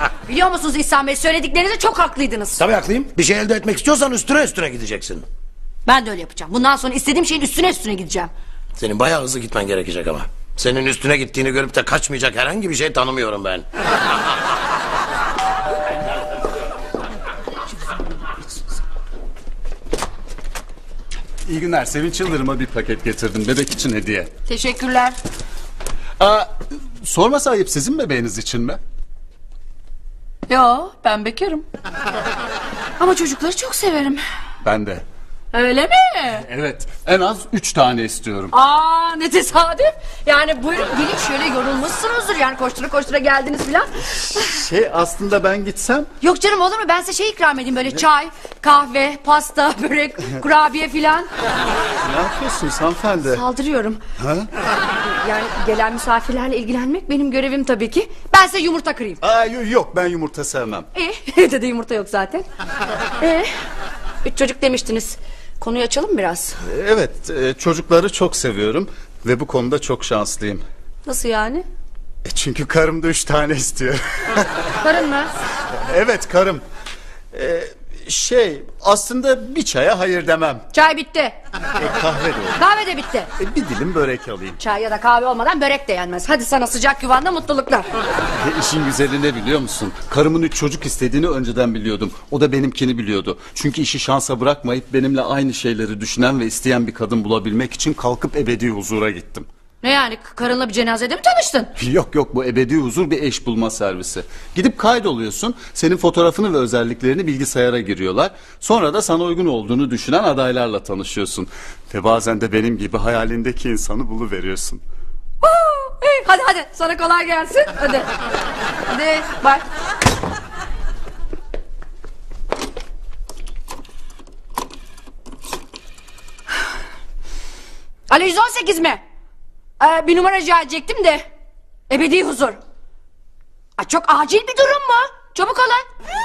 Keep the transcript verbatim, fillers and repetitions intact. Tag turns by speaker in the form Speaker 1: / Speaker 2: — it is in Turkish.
Speaker 1: Biliyor musunuz İhsan Bey, söylediklerinizde çok haklıydınız.
Speaker 2: Tabii haklıyım. Bir şey elde etmek istiyorsan üstüne üstüne gideceksin.
Speaker 1: Ben de öyle yapacağım. Bundan sonra istediğim şeyin üstüne üstüne gideceğim.
Speaker 2: Senin bayağı hızlı gitmen gerekecek ama. Senin üstüne gittiğini görüp de kaçmayacak herhangi bir şey tanımıyorum ben.
Speaker 3: İyi günler. Sevinç Yıldırım'a bir paket getirdim. Bebek için hediye.
Speaker 1: Teşekkürler.
Speaker 3: Aa, sorması ayıp, sizin bebeğiniz için mi?
Speaker 1: Yo, ben bekarım. Ama çocukları çok severim.
Speaker 3: Ben de.
Speaker 1: Öyle mi?
Speaker 3: Evet. En az üç tane istiyorum.
Speaker 1: Aa, ne tesadüf. Yani buyurun gelin, şöyle yorulmuşsunuzdur. Yani koştura koştura geldiniz filan.
Speaker 3: Şey, aslında ben gitsem...
Speaker 1: Yok canım, olur mu? Ben size şey ikram edeyim, böyle çay, kahve, pasta, börek, kurabiye filan.
Speaker 3: Ne yapıyorsunuz hanımefendi?
Speaker 1: Saldırıyorum.
Speaker 3: Ha?
Speaker 1: Yani gelen misafirlerle ilgilenmek benim görevim tabii ki. Ben size yumurta kırayım.
Speaker 3: Aa, yok, ben yumurta sevmem.
Speaker 1: İyi, evde de yumurta yok zaten. Ee, üç çocuk demiştiniz. Konuyu açalım biraz.
Speaker 3: Evet, e, çocukları çok seviyorum ve bu konuda çok şanslıyım.
Speaker 1: Nasıl yani?
Speaker 3: E, çünkü karım da üç tane istiyor.
Speaker 1: Karın mı?
Speaker 3: Evet, karım. E, şey, aslında bir çaya hayır demem.
Speaker 1: Çay bitti.
Speaker 3: E, kahve de olur.
Speaker 1: Kahve de bitti.
Speaker 3: E, bir dilim börek alayım.
Speaker 1: Çay ya da kahve olmadan börek de yenmez. Hadi sana sıcak yuvanda mutluluklar.
Speaker 3: E, işin güzeli ne biliyor musun? Karımın üç çocuk istediğini önceden biliyordum. O da benimkini biliyordu. Çünkü işi şansa bırakmayıp benimle aynı şeyleri düşünen ve isteyen bir kadın bulabilmek için kalkıp ebedi huzura gittim.
Speaker 1: Ne yani, karınla bir cenazede mi tanıştın?
Speaker 3: Yok yok, bu ebedi huzur bir eş bulma servisi. Gidip kaydoluyorsun, senin fotoğrafını ve özelliklerini bilgisayara giriyorlar. Sonra da sana uygun olduğunu düşünen adaylarla tanışıyorsun. Ve bazen de benim gibi hayalindeki insanı buluveriyorsun.
Speaker 1: Huu, iyi, hadi hadi, sana kolay gelsin. Hadi. Hadi bak. Alo, yüz on sekiz mi? Ee, bir numara rica edecektim de. Ebedi huzur. Ay, çok acil bir durum mu? Çabuk olun.